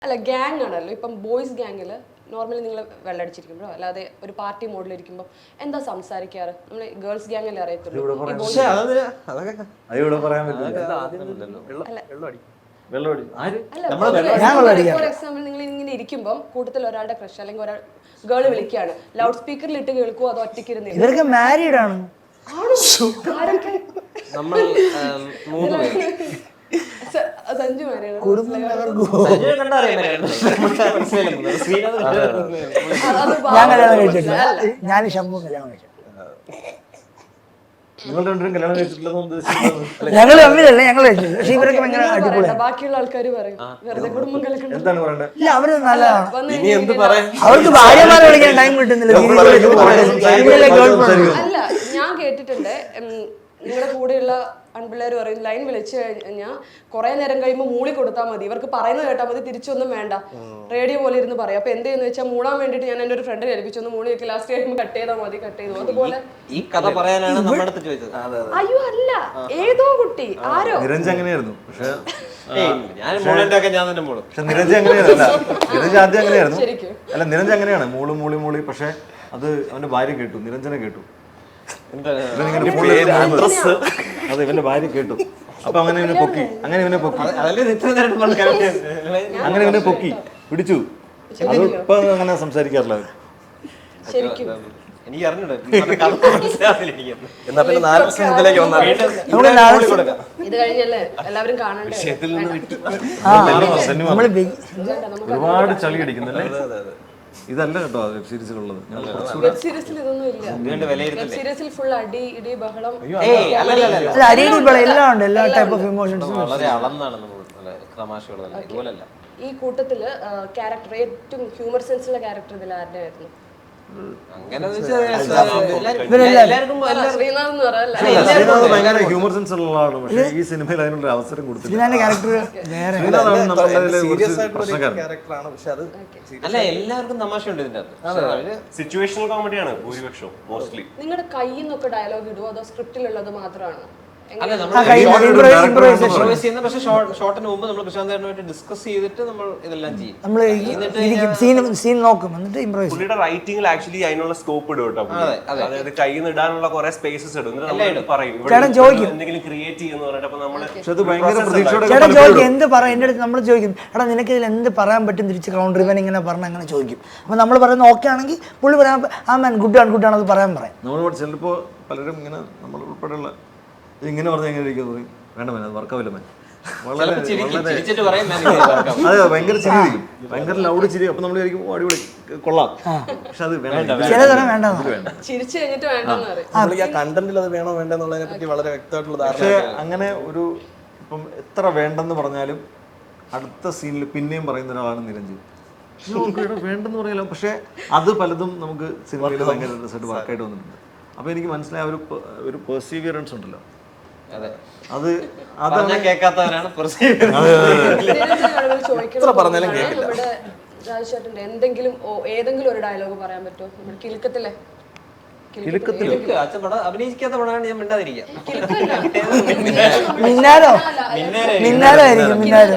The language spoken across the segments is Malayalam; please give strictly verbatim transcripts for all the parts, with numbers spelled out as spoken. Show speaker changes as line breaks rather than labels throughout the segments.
അല്ല ഗ്യാങ് ആണല്ലോ. ഇപ്പം ബോയ്സ് ഗ്യാങ്ങിൽ നോർമലി നിങ്ങൾ വെള്ളടിച്ചിരിക്കുമ്പോഴോ അല്ലാതെ ഒരു പാർട്ടി മോഡിലിരിക്കുമ്പോൾ എന്താ സംസാരിക്കാറ്? നമ്മൾ ഗേൾസ് ഗ്യാങ്ങിൽ അറിയത്തുള്ളൂ. ഫോർ എക്സാമ്പിൾ നിങ്ങൾ ഇങ്ങനെ ഇരിക്കുമ്പോൾ കൂട്ടത്തിൽ ഒരാളുടെ ക്രഷ് അല്ലെങ്കിൽ ഒരാൾ ഗേൾ വിളിക്കുകയാണ്, ലൗഡ് സ്പീക്കറിൽ ഇട്ട് കേൾക്കുമോ അതോ ഒറ്റയ്ക്ക് ഇരുന്ന്?
ഇവരൊക്കെ മാരീഡ് ആണ്.
സഞ്ജു മാരിയാണ്.
ഞാൻ കല്യാണം കഴിച്ചിട്ടില്ല. ഞാൻ ശംഭു കല്യാണം കഴിച്ചു. ഞങ്ങൾ തമ്മിലല്ലേ ഞങ്ങൾ കഴിച്ചത്. പക്ഷെ ഇവരൊക്കെ ഭയങ്കര അടിപൊളിയാണ്.
ബാക്കിയുള്ള ആൾക്കാർ പറയും വെറുതെ കുടുംബം കലക്കണം.
ഇല്ല അവര് നല്ലതാണ്. അവർക്ക് ഭാര്യമാരെ വിളിക്കാൻ ടൈം കിട്ടുന്നില്ല.
അല്ല ഞാൻ കേട്ടിട്ടുണ്ട് നിങ്ങളുടെ കൂടെയുള്ള അൺപിള്ളേർ പറയും ലൈൻ വിളിച്ചു കഴിഞ്ഞാൽ കുറെ നേരം കഴിയുമ്പോൾ മൂളി കൊടുത്താൽ മതി, ഇവർക്ക് പറയുന്നത് കേട്ടാൽ മതി, തിരിച്ചൊന്നും വേണ്ട, റേഡിയോ പോലെ ഇരുന്ന് പറയാം. അപ്പൊ എന്ത് ചെയ്യുന്ന വെച്ചാൽ മൂളാൻ വേണ്ടിട്ട് ഞാൻ എൻ്റെ ഒരു ഫ്രണ്ടിനെ ഏൽപ്പിച്ചൊന്ന് മൂളി വെക്കി, ലാസ്റ്റ് കഴിയുമ്പോൾ കട്ട് ചെയ്താൽ മതി, കട്ട് ചെയ്തു. അതുപോലെ
ഈ കഥ പറയാനാണ് നമ്മുടെ അടുത്ത് ചോദിച്ചത്.
അയ്യോ അല്ല, ഏതോ കുട്ടി ആരോ
നിരഞ്ജ് അങ്ങനെയായിരുന്നു. പക്ഷെ
ഞാൻ മൂളന്റെ ഞാൻ തന്നെ മൂളും.
പക്ഷെ നിരഞ്ജ് അങ്ങനെയായിരുന്നില്ല. നിരഞ്ജ് ആദ്യം അങ്ങനെയായിരുന്നു. അല്ല നിരഞ്ജ് അങ്ങനെയാണ്, മൂളി മൂളി മൂളി. പക്ഷെ അത് അവന്റെ ഭാര്യ കേട്ടു, നിരഞ്ജനെ കേട്ടു. അത് ഇവന്റെ ഭാര്യ കേട്ടു. അപ്പൊ അങ്ങനെ ഇവനെ പൊക്കി, അങ്ങനെ ഇവനെ പൊക്കി, അങ്ങനെ ഇവനെ പൊക്കി പിടിച്ചു. അത് ഇപ്പൊ അങ്ങനെ സംസാരിക്കാറില്ല.
എനിക്ക് അറിഞ്ഞൂടാ.
എന്നാ പിന്നെ നാല് വർഷം മുതലേക്ക് വന്നാൽ
ഇത് കഴിഞ്ഞല്ലേ എല്ലാവരും കാണണ്ടേ?
ഒരുപാട് ചളി അടിക്കുന്നല്ലേ. ഇതല്ല കേട്ടോ വെബ് സീരീസിലുള്ളത്.
വെബ് സീരീസിൽ ഇതൊന്നും ഇല്ല. വെബ് സീരീസിൽ ഫുൾ അടി ഇടി ബഹളം
എല്ലാം ഉണ്ട്. എല്ലാ ടൈപ്പ് ഓഫ് ഇമോഷൻസും
വളരെ അളന്നാണ് തമാശകൾ. ഇതുപോലല്ല.
ഈ കൂട്ടത്തില് ക്യാരക്ടർ ഏറ്റവും ഹ്യൂമർ സെൻസുള്ള ക്യാരക്ടർ ഇതിൽ ആരുടെ ആയിരുന്നു?
ഭയങ്കര ഹ്യൂമർ സെൻസ് ഉള്ള ആളാണ്. പക്ഷേ ഈ സിനിമയിൽ അതിനുള്ള അവസരം കൊടുത്തില്ല.
അല്ല എല്ലാവർക്കും തമാശയുണ്ട് ഇതിന്റെ അകത്ത്.
സിറ്റുവേഷണൽ കോമഡിയാണ് ഭൂരിപക്ഷവും മോസ്റ്റ്ലി.
നിങ്ങളുടെ കയ്യിൽ നിന്നൊക്കെ ഡയലോഗ് ഇടുവോ അതോ സ്ക്രിപ്റ്റിലുള്ളത് മാത്രമാണോ?
ഷോട്ടിന് മുമ്പ് നമ്മൾ പ്രശാന്തായിട്ട് ഡിസ്കസ് ചെയ്തിട്ട് നമ്മൾ ഇതെല്ലാം ചെയ്യും.
നമ്മൾ സീൻ നോക്കും, എന്നിട്ട് ഇംപ്രൂവൈസ്.
പുള്ളിയുടെ റൈറ്റിംഗിൽ ആക്ച്വലി അതിനുള്ള സ്കോപ്പ് ഇടും കേട്ടോ. അതായത് കയ്യിൽ നിന്ന് ഇടാനുള്ള കുറെ സ്പേസസ് ഇടും. പറയും എന്തെങ്കിലും ക്രിയേറ്റ് ചെയ്യുന്ന പറഞ്ഞിട്ട്. അപ്പൊ നമ്മള്
ചേട്ടൻ ചോദിക്കും എന്ത് പറയാം. എന്റെ അടുത്ത് നമ്മൾ ചോദിക്കും, എടാ നിനക്ക് ഇതിൽ എന്ത് പറയാൻ പറ്റും തിരിച്ച് കൗണ്ടർ ഇവൻ ഇങ്ങനെ പറഞ്ഞ അങ്ങനെ ചോദിക്കും. അപ്പൊ നമ്മൾ പറയുന്നത് ഓക്കെ ആണെങ്കിൽ പുള്ളി പറയാൻ ആ മാൻ ഗുഡ് ആണ് ഗുഡ് ആണ് അത് പറയാൻ പറയാം.
നമ്മൾ ചിലപ്പോ പലരും ഇങ്ങനെ നമ്മൾ ഉൾപ്പെടെയുള്ള ഇങ്ങനെ പറഞ്ഞാൽ എങ്ങനെ ഇരിക്കും പറയും, വേണ്ട മേൻ അത് വർക്കാവില്ല മേൻ. വളരെ അതെ ഭയങ്കര ചിരി ഇരിക്കും, ഭയങ്കര ലൗഡ് ചിരി. അപ്പൊ നമ്മൾ വിചാരിക്കും ഓ അടിപൊളി കൊള്ളാം. പക്ഷെ അത്
ചിരിച്ചു കഴിഞ്ഞിട്ട്
കണ്ടന്റിൽ അത് വേണോ വേണ്ടെന്നുള്ളതിനെ പറ്റി വളരെ വ്യക്തമായിട്ടുള്ള ധാരണ. പക്ഷെ അങ്ങനെ ഒരു ഇപ്പം എത്ര വേണ്ടെന്ന് പറഞ്ഞാലും അടുത്ത സീനിൽ പിന്നെയും പറയുന്ന ഒരാളാണ് നിരഞ്ജൻ. വേണ്ടെന്ന് പറയാലോ, പക്ഷെ അത് പലതും നമുക്ക് സിനിമയിൽ ഭയങ്കര റിസൾട്ട് വർക്കായിട്ട് വന്നിട്ടുണ്ട്. അപ്പൊ എനിക്ക് മനസ്സിലായ ഒരു ഒരു പെർസീവിയറൻസ് ഉണ്ടല്ലോ, അത് അതാണ്
കേൾക്കാത്തവരാണ്.
പറഞ്ഞാലും കേൾക്കില്ല.
രാജേഷേട്ടൻ്റെ എന്തെങ്കിലും ഏതെങ്കിലും ഒരു ഡയലോഗ് പറയാൻ പറ്റുമോ? നമ്മുടെ കിലുക്കത്തിലെ
അഭിനയിക്കാത്ത പടമാണ് ഞാൻ മിണ്ടാതിരിക്കുക.
മിന്നാരോ മിന്നാരോ ആയിരിക്കും. മിന്നാരോ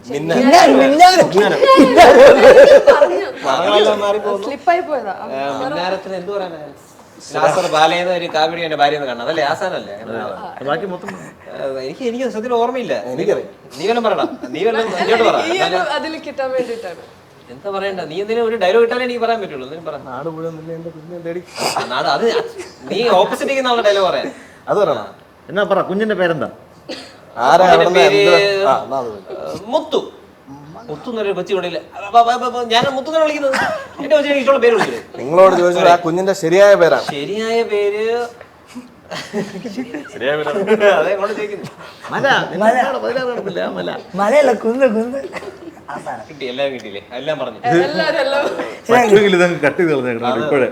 സ്ലിപ്പായി പോയതാ.
മിന്നാരത്തിന് എന്ത് പറയാനാണ്? നാസർ ബാലയെന്ന ഒരു കാബിഡി എന്റെ ഭാര്യ കാണാം. അതല്ലേ ആസാനല്ലേ? എനിക്ക് എനിക്ക് സത്യത്തിൽ ഓർമ്മയില്ല. നീ വല്ലതും പറയണം. നീ വല്ലതും ഇങ്ങോട്ട് പറ.
അതിൽ കിട്ടാൻ വേണ്ടിട്ടാണ്.
എന്താ പറയണ്ട? നീ എന്തിനും ഒരു ഡയലോഗ് ഇട്ടാലേ എനിക്ക് പറയാൻ പറ്റുള്ളൂ.
നാട് മുഴുവൻ
നാട് അത് നീ ഓപ്പോസിറ്റ് നിൽക്കുന്ന ആളുടെ ഡയലോഗ് പറയാൻ
അത് പറയണം. എന്നാ പറ, കുഞ്ഞിന്റെ പേരെന്താ?
മുത്തു. മുത്തു എന്നൊരു കൊച്ചി ഇവിടെ ഇല്ല. ഞാൻ മുത്തുനെ വിളിക്കുന്നത് എന്റെ കൊച്ചിനെ ഇഷ്ടമുള്ള പേര് വിളിക്കുന്നത്.
നിങ്ങളോട് ചോദിച്ചത് ആ കുഞ്ഞിന്റെ ശരിയായ പേരാണ്.
ശരിയായ പേര് അതേ കൊണ്ട് ചോദിക്കുന്നു.
മലയല്ല കുന്ന് കുന്ന്
കിട്ടി. എല്ലാം കിട്ടിയില്ലേ? എല്ലാം പറഞ്ഞു.
കട്ട് ചെയ്ത് കളഞ്ഞേക്കണം ഇപ്പോഴേ.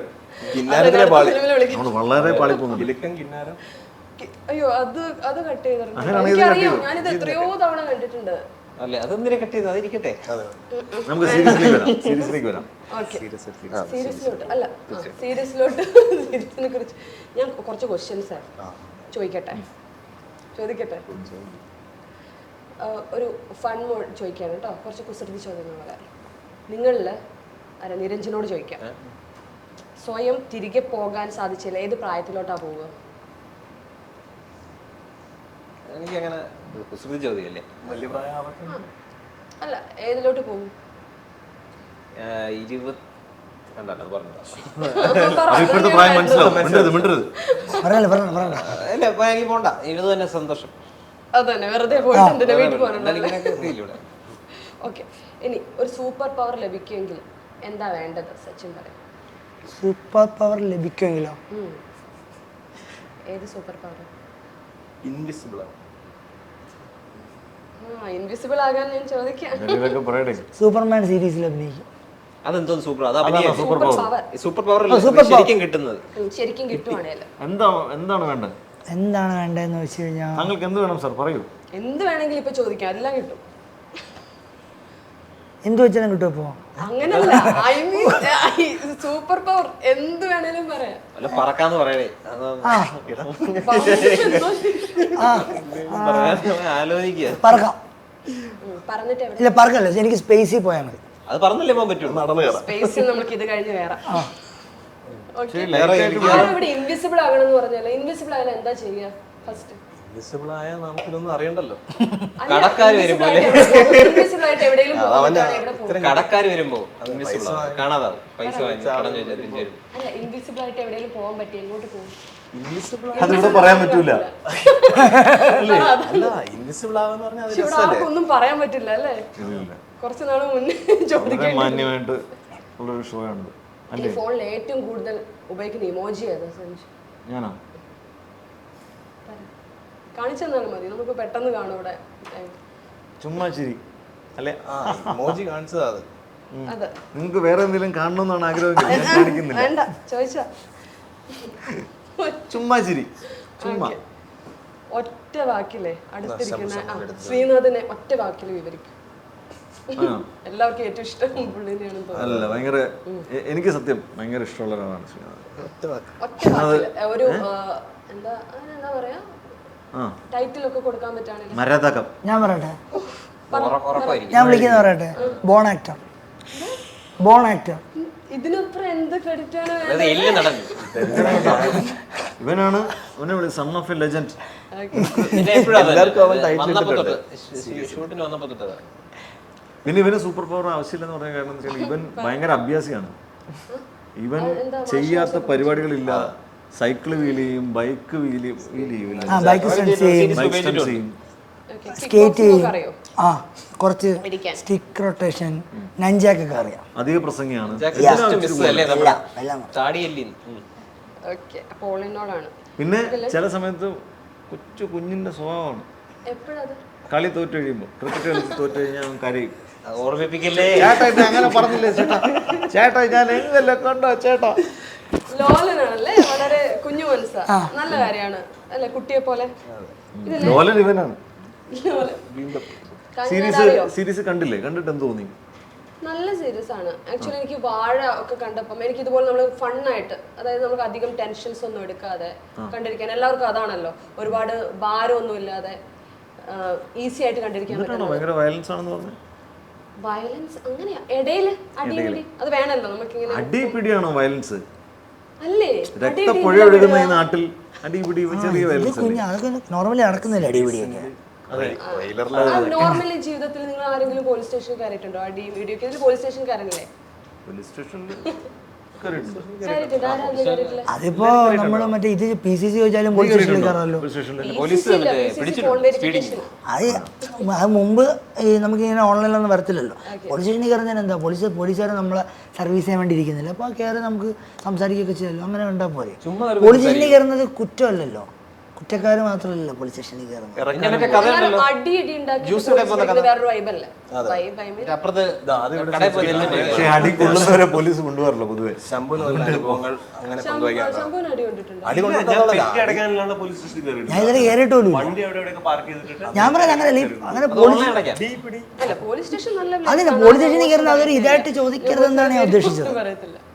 വളരെ പാളിപ്പോകുന്നു.
അയ്യോ അത് അത് കട്ട് ചെയ്തിട്ടുണ്ട്. ഞാനിത് എത്രയോ തവണ കണ്ടിട്ടുണ്ട്.
അല്ലേ അതെന്തിനെ കട്ട് ചെയ്ത് അതിരിക്കട്ടെ.
നമുക്ക് സീരിയസിലേക്ക് വരാം. സീരിയസിലേക്ക് വരാം.
സീരിയസിലോട്ട് അല്ല സീരിയസിലോട്ട് സീരിയസിനെ കുറിച്ച് ഞാൻ കുറച്ച് ക്വസ്റ്റ്യൻസ് ചോദിക്കട്ടെ ചോദിക്കട്ടെ ഒരു ഫൺ മോഡ് ചോദിക്കുകയാണ് കേട്ടോ, കുറച്ച് കുസൃതി ചോദ്യങ്ങൾ പോലെ. നിങ്ങളിൽ അല്ല നിരഞ്ജനോട് ചോദിക്കാം, സ്വയം തിരികെ പോകാൻ സാധിച്ചില്ല ഏത് പ്രായത്തിലോട്ടാ പോവുക?
എനിക്ക് അങ്ങനെ കുസൃതി ചോദ്യമല്ലേ.
വലിയ പ്രായമാവട്ടെ.
അല്ല ഏതിലോട്ട് പോകും?
ഇരുപത് കണ്ടോ പറഞ്ഞു.
അത് ഇപ്പോഴത്തെ പ്രായം മനസ്സിലാവും. മിണ്ടരുത് മിണ്ടരുത്.
പറയല്ലേ പറയണ്ട പറയണ്ട.
അല്ല ഇപ്പൊ എനിക്ക് പോണ്ട, ഇരുപത് തന്നെ സന്തോഷം.
അതന്നെ, വെറുതെ പോയിട്ട് എന്തിനാ വീട്ടിൽ പോകണല്ലോ.
ഇവിടെ
ഓക്കെ, ഇനി ഒരു സൂപ്പർ പവർ ലഭിക്കുമെങ്കിൽ എന്താ വേണ്ടത്? സച്ചിൻ പറയും.
സൂപ്പർ പവർ ലഭിക്കുമെങ്കിലോ?
ഉം. ഏത് സൂപ്പർ പവർ?
ഇൻവിസിബിൾ ആണ്.
ആ ഇൻവിസിബിൾ ആകാൻ ഞാൻ ചോദിക്കാം.
എന്തെങ്കിലുമൊക്കെ പറയട്ടെ.
സൂപ്പർമാൻ സീരീസിൽ അഭിനയിക്കും.
അതെന്തോന്ന് സൂപ്പർ, അത്
super power
super power
super
ശരിക്കും കിട്ടുന്നത്.
ശരിക്കും കിട്ടുവാണേല്
എന്താ എന്താണ് വേണ്ടത്?
എന്താണ് വേണ്ടതെന്ന് വെച്ച് കഴിഞ്ഞാൽ
താങ്കൾക്ക് എന്ത് വേണം സാർ പറയൂ.
എന്ത് വേണമെങ്കിലും ഇപ്പൊ ചോദിക്കാം, എല്ലാം കിട്ടും.
എന്ത് വെച്ചാലും കിട്ടും. ഇപ്പോൾ
അങ്ങനല്ല, ഐ മീൻ സൂപ്പർ പവർ എന്ത് വേണേലും പറയാം.
അല്ല പറക്കാന്ന് പറയണേ, ആലോചിക്കുക.
പറക്കാം.
ഉം, പറഞ്ഞിട്ട് എവിടെ
ഇല്ല പറക്കല്ല, എനിക്ക് സ്പേസിൽ പോയാൽ മതി.
അത് പറഞ്ഞല്ലേ പോകാൻ പറ്റുള്ളൂ.
നടന്നു കയറാം.
സ്പേസിൽ നമുക്ക് ഇത് കഴിഞ്ഞ് കയറാം. Okay.
വേറെ
ആരും ഇവിടെ ഇൻവിസിബിൾ ആകണം എന്ന് പറഞ്ഞാലോ, ഇൻവിസിബിൾ ആയാലും എന്താ ചെയ്യുക ഫസ്റ്റ്?
ഇൻവിസിബിൾ ആയാൽ നമുക്കിതൊന്നും അറിയണ്ടല്ലോ.
കടക്കാര് വരുമ്പോ
ഇൻവിസിബിൾ ആയിട്ട് എവിടെയെങ്കിലും പോകുമ്പോഴാണ് എവിടെ പോകും?
കടക്കാര് വരുമ്പോ കാണാതാവും, പൈസ വാങ്ങി കടം ചോദിച്ചാൽ തിരിച്ചു വരും.
അല്ല ഇൻവിസിബിൾ ആയിട്ട് എവിടെയെങ്കിലും പോകാൻ പറ്റി എങ്ങോട്ട് പോകും?
അതിവിടെ പറയാൻ പറ്റൂല. അല്ല ഇൻവിസിബിൾ ആവാന്ന് പറഞ്ഞാൽ അത്
പക്ഷെ ഇവിടെ ആർക്കും ഒന്നും പറയാൻ പറ്റില്ല അല്ലേ? കുറച്ച് നാള് മുന്നേ ചോദിക്കാൻ.
മാന്യമായിട്ട് ഉള്ളൊരു ഷോ ആണ്.
ഈ ഫോണിൽ ഏറ്റവും കൂടുതൽ ഉപയോഗിക്കുന്ന ഇമോജി ഏതാ സഞ്ജു?
ഞാനാ
കാണിച്ചു തന്നാലും മതി, നമുക്ക് പെട്ടെന്ന് കാണും ഇവിടെ.
ചുമ്മാ ചിരി അല്ലെ? ഇമോജി കാണിച്ചതാ അത്.
അതെ,
നിങ്ങൾക്ക് വേറെ എന്തെങ്കിലും കാണണമെന്നാണ് ആഗ്രഹമെങ്കിൽ ഞാൻ കാണിക്കുന്നില്ല.
വേണ്ട ചോദിച്ചാ
ചുമ്മാ ചിരി. ചുമ്മാ
ഒറ്റ വാക്കിലെ അടുത്തിരിക്കുന്ന ആ, ശ്രീനാഥിനെ ഒറ്റ വാക്കിൽ വിവരിക്കും. എല്ലാവർക്കും ഏറ്റവും ഇഷ്ടം പുള്ളിനെയാണ് തോന്നുന്നത്.
അല്ല ഭയങ്കര എ- എനിക്ക് സത്യം ഭയങ്കര ഇഷ്ടമുള്ള ഒരാളാണ് ശ്രീനാഥ്.
ഒറ്റ വാക്കില് ഒരു ആ, എന്താ എന്താ പറയാ,
ആ
ടൈറ്റിൽ ഒക്കെ കൊടുക്കാൻ പറ്റുകയാണെങ്കിൽ
മരതകം.
ഞാൻ പറയട്ടെ,
ഉറപ്പായിരിക്കും.
ഞാൻ വിളിക്കുന്ന പറയട്ടെ, ബോൺ ആക്ടർ. Bone actor.
ഇതിനപ്പുറം എന്ത് ക്രെഡിറ്റ് ആണ് വേണ്ടത്?
അത് എല്ലാം നടന്നു.
ഇവനാണ് ഇവനെ വിളി സൺ ഓഫ് എ ലെജൻഡ്.
ഷൂട്ടിന് വന്നപ്പോ തൊട്ടതാ.
പിന്നെ ഇവന് സൂപ്പർ പവർ ആവശ്യമില്ലെന്ന് പറയാൻ കാരണം എന്ന് വെച്ചാൽ ഇവൻ ഭയങ്കര അഭ്യാസിയാണ്. ഇവൻ ചെയ്യാത്ത പരിപാടികളില്ല. സൈക്കിൾ വീൽ ചെയ്യും, ബൈക്ക് വീൽ വീൽ ചെയ്യും,
ആ ബൈക്ക് സ്റ്റണ്ട് ചെയ്യും,
ബൈക്ക് സ്റ്റണ്ട് ചെയ്യും,
Okay.
സ്കേറ്റ് ചെയ്യും.
അറിയോ?
ആ കുറച്ച്
ഇരിക്കാൻ.
സ്റ്റിക്ക് റൊട്ടേഷൻ, നഞ്ചാക്കൊക്കെ അറിയാം.
അധിക പ്രസംഗിയാണ്.
എല്ലാം
താടിയല്ലേ.
ഓക്കെ, പോളിനോടാണ്.
പിന്നെ ചില സമയത്ത് കൊച്ചു കുഞ്ഞിന്റെ സ്വഭാവമാണ്.
എപ്പോഴത്?
കളി തോറ്റു കഴിയുമ്പോൾ ക്രിക്കറ്റ് കളിച്ച് തോറ്റു കഴിഞ്ഞാൽ അവൻ കരയും.
ഓർമ്മിപ്പിക്കല്ലേ.
ചേട്ടാ ഇത് അങ്ങനെ പറഞ്ഞില്ലേ ചേട്ടാ, ചേട്ടാ ഞാൻ എങ്ങല്ല കണ്ടോ ചേട്ടാ.
ലോലനാണല്ലേ, വളരെ കുഞ്ഞു മനസ്സാ. നല്ല കാര്യമാണ് അല്ലെ, കുട്ടിയെ പോലെ.
ലോലൻ ഇവനാണ്.
ലോലൻ.
സീരീസ് സീരീസ് കണ്ടില്ലേ? കണ്ടിട്ട് എന്ത് തോന്നി?
നല്ല സീരീസ് ആണ് ആക്ച്വലി. എനിക്ക് വാഴ ഒക്കെ കണ്ടപ്പം എനിക്ക് ഇതുപോലെ നമ്മൾ ഫണ്ണായിട്ട്, അതായത് നമുക്ക് അധികം ടെൻഷൻസ് ഒന്നും എടുക്കാതെ കണ്ടിരിക്കാൻ, എല്ലാവർക്കും അതാണല്ലോ, ഒരുപാട് ഭാരമൊന്നും ഇല്ലാതെ ഈസി ആയിട്ട് കണ്ടിരിക്കാൻ പറ്റും.
ഭയങ്കര വയലൻസ് ആണെന്ന് പറഞ്ഞു.
വയലൻസ് അങ്ങനെയാ, ഇടയില് അടിപിടി അത് വേണല്ലോ നമുക്കിങ്ങനെ.
അടിപിടിയാണോ വയലൻസ്?
അല്ലേ,
രക്തപ്പുഴ ഒഴുകുന്ന ഈ നാട്ടിൽ അടിപിടി ചെറിയ വയലൻസ്.
കുഞ്ഞ് അതൊക്കെ നോർമലി നടക്കുന്നില്ല അടിപിടിയൊക്കെ.
നോർമലി ജീവിതത്തിൽ നിങ്ങൾ ആരെങ്കിലും പോലീസ് സ്റ്റേഷനിൽ കയറിയിട്ടുണ്ടോ? അടി വീഡിയോ ഒക്കെ പോലീസ് സ്റ്റേഷനിൽ കയറില്ലേ?
പോലീസ് സ്റ്റേഷനിൽ
കയറിയിട്ടുണ്ട്. ആരാ കയറിയിട്ടില്ല?
അതിപ്പോ നമ്മള് മറ്റേ ഇത് പി സി സി ചോദിച്ചാലും പോലീസ് സ്റ്റേഷനിൽ കയറാമല്ലോ. അത് അത് മുമ്പ് ഈ നമുക്ക് ഇങ്ങനെ ഓൺലൈനിലൊന്നും വരത്തില്ലല്ലോ. പോലീസ് സ്റ്റേഷനിൽ കയറുന്നതിന് എന്താ, പോലീസ് പോലീസുകാരെ നമ്മളെ സർവീസ് ചെയ്യാൻ വേണ്ടി ഇരിക്കുന്നില്ല. അപ്പോൾ കയറി നമുക്ക് സംസാരിക്കുകയൊക്കെ ചെയ്യാമല്ലോ. അങ്ങനെ കണ്ടാൽ പോരെ. പോലീസ് സ്റ്റേഷനിൽ കയറുന്നത് കുറ്റമല്ലല്ലോ, കുറ്റക്കാർ മാത്രമല്ലല്ലോ പോലീസ് സ്റ്റേഷനിൽ കയറുന്നത്.
അടി ഇടി ഉണ്ടാക്കി വേറൊരു വൈബല്ലേ? വൈബ് ഐ മീൻ
അപ്പുറത്ത്
പക്ഷേ അടി കൊള്ളുന്നവരെ പോലീസ് കൊണ്ടുപോകാറില്ല പൊതുവെ.
ശംഭുവിന് അനുഭവങ്ങൾ അങ്ങനെ
ശംഭുവിന് അടി കൊണ്ടിട്ടുണ്ട്.
അടക്കാനുള്ള പോലീസ് സ്റ്റേഷനിൽ കയറിയിട്ടുണ്ട്.
ഞാൻ ഇതിൽ കയറിയിട്ടില്ല.
വണ്ടി അവിടെ എവിടെയൊക്കെ പാർക്ക് ചെയ്തിട്ട്
ഞാൻ പറയാം അങ്ങനെ അങ്ങനെ പോലീസ്
അല്ല പോലീസ് സ്റ്റേഷൻ നല്ല
അതിന് പോലീസ് സ്റ്റേഷനിൽ കയറുന്ന അതൊരു ഇതായിട്ട് ചോദിക്കരുത് എന്നാണ് ഞാൻ ഉദ്ദേശിച്ചത്.
പറയത്തില്ല.